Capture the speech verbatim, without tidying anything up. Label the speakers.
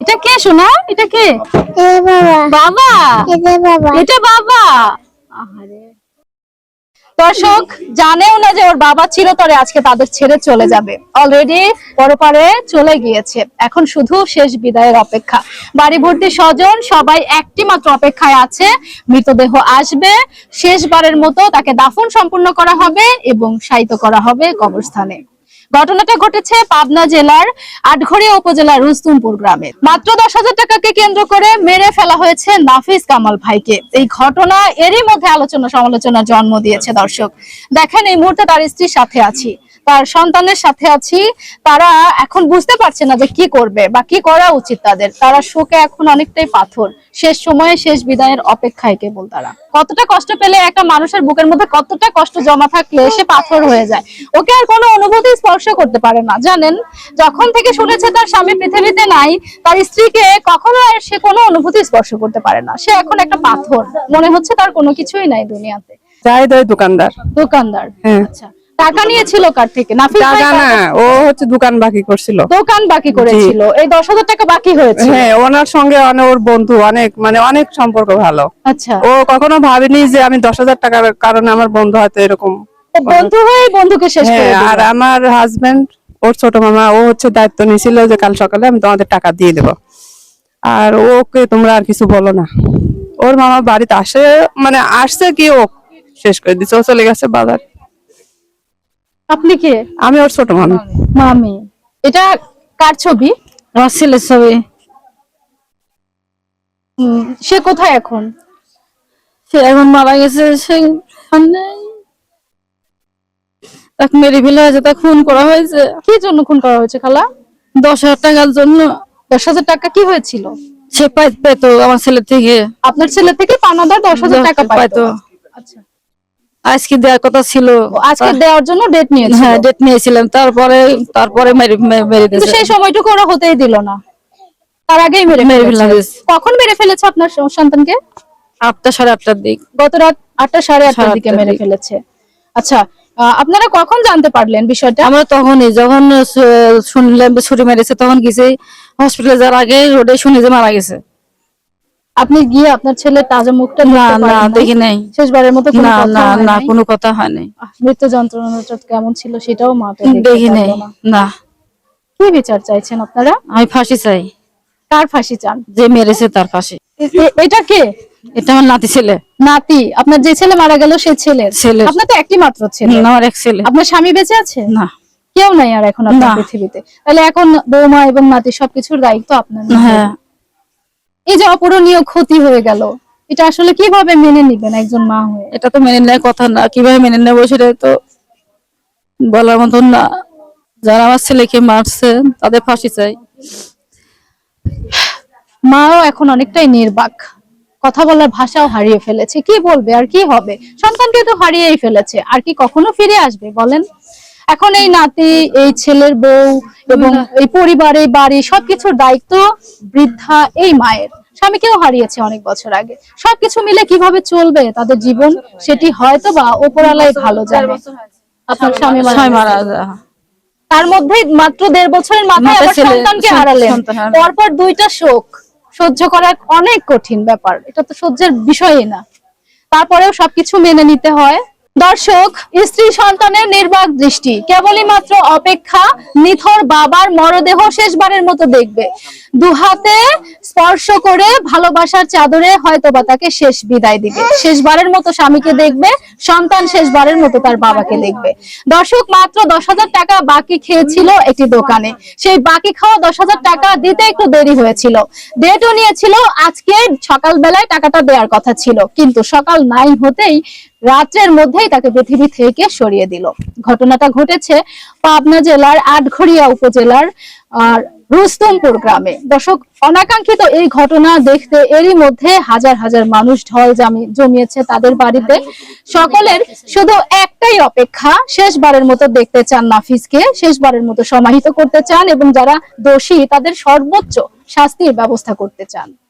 Speaker 1: এটা কে শোনা? এটা কে? বাবা। এটা বাবা। আহারে, দর্শক জানেও না যে ওর বাবা চিরতরে আজকে তাদের ছেড়ে চলে যাবে। অলরেডি পরপারে চলে গিয়েছে, এখন শুধু শেষ বিদায়ের অপেক্ষা। বাড়ি ভর্তি স্বজন, সবাই একটি মাত্র অপেক্ষায় আছে, মৃতদেহ আসবে, শেষবারের মতো তাকে দাফন সম্পূর্ণ করা হবে এবং শায়িত করা হবে কবরস্থানে। ঘটনাটা ঘটেছে পাবনা জেলার আটঘরিয়া উপজেলার রুস্তুমপুর গ্রামে। মাত্র দশ হাজার টাকাকে কেন্দ্র করে মেরে ফেলা হয়েছে নাফিস কামাল ভাইকে। এই ঘটনা এরই মধ্যে আলোচনা সমালোচনার জন্ম দিয়েছে। দর্শক দেখেন, এই মুহূর্তে তার স্ত্রীর সাথে আছি, তার সন্তানের সাথে আছি। তারা এখন বুঝতে পারছে না যে কি করবে বা কি করা উচিত তাদের। তারা শোকে এখন অনেকটাই পাথর, শেষ সময়ে শেষ বিদায়ের অপেক্ষায় কেবল তারা। কতটা কষ্ট পেলে একটা মানুষের বুকের মধ্যে কতটা কষ্ট জমা থাকলে সে পাথর হয়ে যায়, ওকে আর কোনো অনুভূতি স্পর্শ করতে পারে না। জানেন, যখন থেকে শুনেছে তার স্বামী পৃথিবীতে নাই, তার স্ত্রীকে কখনো আর সে কোনো অনুভূতি স্পর্শ করতে পারে না। সে এখন একটা পাথর, মনে হচ্ছে তার কোনো কিছুই নাই দুনিয়াতে।
Speaker 2: দোকানদার
Speaker 1: দোকানদার
Speaker 2: হ্যাঁ।
Speaker 1: আচ্ছা, টাকা নিয়েছিল কার থেকে? নাফিস ভাই?
Speaker 2: টাকা না, ও হচ্ছে দোকান বাকি করছিল।
Speaker 1: দোকান বাকি করেছিল, এই দশ হাজার টাকা বাকি হয়েছে।
Speaker 2: হ্যাঁ, ওনার সঙ্গে অনেক ওর বন্ধু, অনেক মানে অনেক সম্পর্ক ভালো।
Speaker 1: আচ্ছা,
Speaker 2: ও কখনো ভাবেনি যে আমি দশ হাজার টাকার কারণে আমার বন্ধু হয়তো এরকম।
Speaker 1: বন্ধু হয়ে বন্ধুকে শেষ করে দিল।
Speaker 2: আর আমার হাজবেন্ড, ওর ছোট মামা, ও হচ্ছে দায়িত্ব নিয়েছিল যে কাল সকালে আমি তোমাদের টাকা দিয়ে দেবো, আর ওকে তোমরা আর কিছু বলো না। ওর মামা বাড়িতে আসে, মানে আসছে কি ও শেষ করে দিচ্ছে, ও চলে গেছে বাজার।
Speaker 1: আপনি কে?
Speaker 2: আমি ওর ছোট মামি।
Speaker 1: মামি। এটা কার ছবি?
Speaker 3: আমার ছেলের ছবি।
Speaker 1: সে কোথায় এখন?
Speaker 3: সে এখন মারা গেছে। সে তাকে মেরে ফেলা হয়েছে, তাকে খুন করা হয়েছে।
Speaker 1: কি জন্য খুন করা হয়েছে খালা?
Speaker 3: দশ হাজার টাকার জন্য।
Speaker 1: দশ হাজার টাকা কি হয়েছিল?
Speaker 3: সে পেতো আমার ছেলে থেকে।
Speaker 1: আপনার ছেলে থেকে পাওনাদার দশ হাজার টাকা পাইতো। আচ্ছা,
Speaker 3: আজকে দেওয়ার কথা ছিল,
Speaker 1: আজকে দেওয়ার জন্য ডেট নিয়েছিল।
Speaker 3: হ্যাঁ, ডেট নিয়েছিলাম। তারপরে তারপরে মেরে মেরে দিয়েছে।
Speaker 1: সেই সময়টুকু ওরা হতেই দিল না, তার আগেই মেরে
Speaker 3: মেরে ফেলা
Speaker 1: ফেলেছে।
Speaker 3: হয়েছে।
Speaker 1: কখন মেরে ফেলেছে আপনার সন্তানকে?
Speaker 3: আটটা সাড়ে আটটার দিক।
Speaker 1: গত রাত আটটা সাড়ে আটটার দিকে মেরে ফেলেছে। আচ্ছা, আপনারা কখন জানতে পারলেন বিষয়টা?
Speaker 3: আমরা তখনই যখন শুনলাম ছুরি মেরেছে, তখন গেছি হসপিটালে যাওয়ার আগে রোডে শুনি যে মারা গেছে।
Speaker 1: আপনি গিয়ে আপনার ছেলের তাজা মুখটা
Speaker 3: না না দেখি নাই।
Speaker 1: শেষবারের মতো কোনো
Speaker 3: না
Speaker 1: কথা
Speaker 3: না
Speaker 1: হয়
Speaker 3: না
Speaker 1: নাই?
Speaker 3: কোনো কথা হয় নাই।
Speaker 1: মৃত্যু যন্ত্রণাটা কেমন ছিল সেটাও মা তো
Speaker 3: দেখি নাই। না।
Speaker 1: কি বিচার চাইছেন আপনারা?
Speaker 3: আমি ফাঁসি চাই।
Speaker 1: কার ফাঁসি চান?
Speaker 3: যে মেরেছে তার ফাঁসি।
Speaker 1: এটা কে?
Speaker 3: এটা আমার নাতি ছেলে।
Speaker 1: নাতি? আপনার যে ছেলে মারা গেল সে ছেলে?
Speaker 3: ছেলে।
Speaker 1: আপনার তো একটি মাত্র ছেলে।
Speaker 3: আমার এক ছেলে।
Speaker 1: আপনার স্বামী বেঁচে আছে?
Speaker 3: না,
Speaker 1: কেউ নাই আর এখন আপনার পৃথিবীতে। তাহলে এখন বৌমা এবং নাতি সবকিছুর দায়িত্ব আপনার।
Speaker 3: হ্যাঁ।
Speaker 1: এই যে অপূরণীয় ক্ষতি হয়ে গেল, এটা আসলে কিভাবে মেনে নিবেন একজন মা হয়ে?
Speaker 3: এটা তো মেনে নেওয়ার কথা না। কিভাবে মেনে নেবো সেটা তো বলার মতন না। যারা আমার ছেলেকে মারছে তাদের ফাঁসি চাই।
Speaker 1: মাও এখন অনেকটাই নির্বাক, কথা বলার ভাষাও হারিয়ে ফেলেছে। কি বলবে আর কি হবে? সন্তানকে তো হারিয়েই ফেলেছে, আর কি কখনো ফিরে আসবে বলেন? এখন এই নাতি, এই ছেলের বউ এবং এই পরিবার, এই বাড়ি, সবকিছুর দায়িত্ব বৃদ্ধা এই মায়ের। স্বামীকেও হারিয়েছে অনেক বছর আগে। সবকিছু মিলে কিভাবে চলবে তাদের জীবন, সেটি হয়তো বা উপরওয়ালাই ভালো জানে। আপনার স্বামী মারা যায়, তার মধ্যে মাত্র দেড় বছরের মাথায় আবার সন্তানকে হারালেন। পরপর দুইটা শোক সহ্য করা অনেক কঠিন ব্যাপার, এটা তো সহ্যের বিষয়ই না। তারপরেও সবকিছু মেনে নিতে হয়। দর্শক, স্ত্রী সন্তানের নির্বাক দৃষ্টি, কেবলই মাত্র অপেক্ষা নিথর বাবার মরদেহ শেষবারের মতো দেখবে। দুহাতে স্পর্শ করে ভালোবাসার চাদরে হয়তোবা তাকে শেষ বিদায় দিবে। শেষবারের মতো স্বামীকে দেখবে, সন্তান শেষবারের মতো তার বাবাকে দেখবে। দর্শক, মাত্র দশ হাজার টাকা বাকি খেয়েছিল একটি দোকানে। সেই বাকি খাওয়া দশ হাজার টাকা দিতে একটু দেরি হয়েছিল। ডেটও নিয়েছিল, আজকে সকাল বেলায় টাকাটা দেওয়ার কথা ছিল, কিন্তু সকাল নাই হতেই রাতের মধ্যেই তাকে পৃথিবী থেকে সরিয়ে দিল। ঘটনাটা ঘটেছে পাবনা জেলার আটঘরিয়া উপজেলার আর রুস্তমপুর গ্রামে। দর্শক, অনাকাঙ্ক্ষিত এই ঘটনা দেখতে এরই মধ্যে হাজার হাজার মানুষ ঢল জমিয়েছে তাদের বাড়িতে। সকলের শুধু একটাই অপেক্ষা, শেষবারের মতো দেখতে চান নাফিসকে, শেষবারের মতো সমাহিত করতে চান এবং যারা দোষী তাদের সর্বোচ্চ শাস্তির ব্যবস্থা করতে চান।